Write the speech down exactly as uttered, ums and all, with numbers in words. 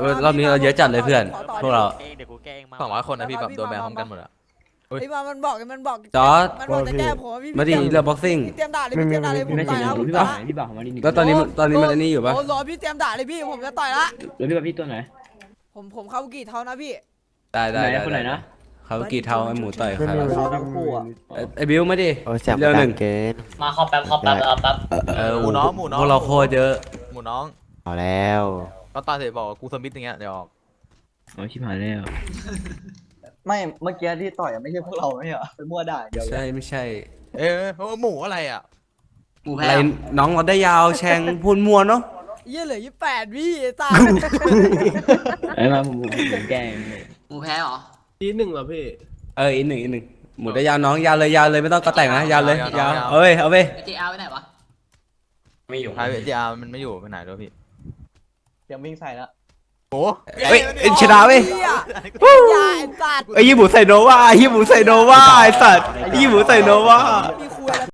รอบนี้เราเยอะจัดเลยเพื่อนพวกเราเองเดี๋ยวกูแกล้งมาสองร้อยคนนะพี่แบบโดนแบนพร้อมกันหมดอะไอ้มามันบอกมันบอกจอร์จมันบอกจะแก้ผมพี่มาดิเรื่องบ็อกซิ่งพี่เตรียมด่าเลยพี่เตรียมด่าเลยผมไม่ต่ใช่อยแล้วผมพี่ต่บ่าอยวพี่บ่าวของมันนี่แล้วตอนนี้ตอนนี้มันอันนี้อยู่ปะโอ้รอพี่เตรียมด่าเลยพี่ผมจะต่อยละแล้วพี่บ่าวพี่ตัวไหนผมผมเข้ากี่เท่านะพี่ได้ได้ได้คนไหนนะเขากี่เท่าไอ้หมูต่อยใครเขาทั้งคู่อ่ะไอ้บิวมาดิโอ้เสียงเรื่องหดันึ่งงเกินมาเข้าแป๊บเข้าแป๊บเอาแป๊บเออหมูน้องหมูน้องพวกเราโคตรเยอะหมูน้องเอาแล้วก็ตาเสร็จบอกว่ากูสมิธอย่างเงี้ยเดี๋ยวออกโอ้ชิบหายแล้วไม่เมื่อกี้ที่ต่อยไม่ใช่พวกเราไม่เหรอไปมั่วด่าเดียวใช่ไม่ใช่เอ้ยเพราะว่าหมูอะไรอ่ะอะไรน้องเราได้ยาวแชงพูนมัวเนาะเยี่ยเหลือยี่แปดพี่ตาไอ้มาผมผมแกล้งหมูแพ้เหรอทีหนึ่งเหรอพี่เอออีกหนึ่งอีกหนึ่งหมูได้ยาวน้องยาวเลยยาวเลยไม่ต้องก็แต่งนะยาวเลยยาวเอาไปเอาไปไอเจอาร์ไปไหนวะไม่อยู่ใครเวทีอาร์มันไม่อยู่ไปไหนด้วยพี่เตรียมวิ่งใส่แล้วโอ้เฮ้ยเอ็นชนะเว้ยเหี้ยยาไอ้สัตว์ไอ้ยี่หมูใส่โนวาไอ้ยี่หมูใส่โนวาไอ้สัตว์ไอ้ยี่หมูใส่โนวามีคุยอะไร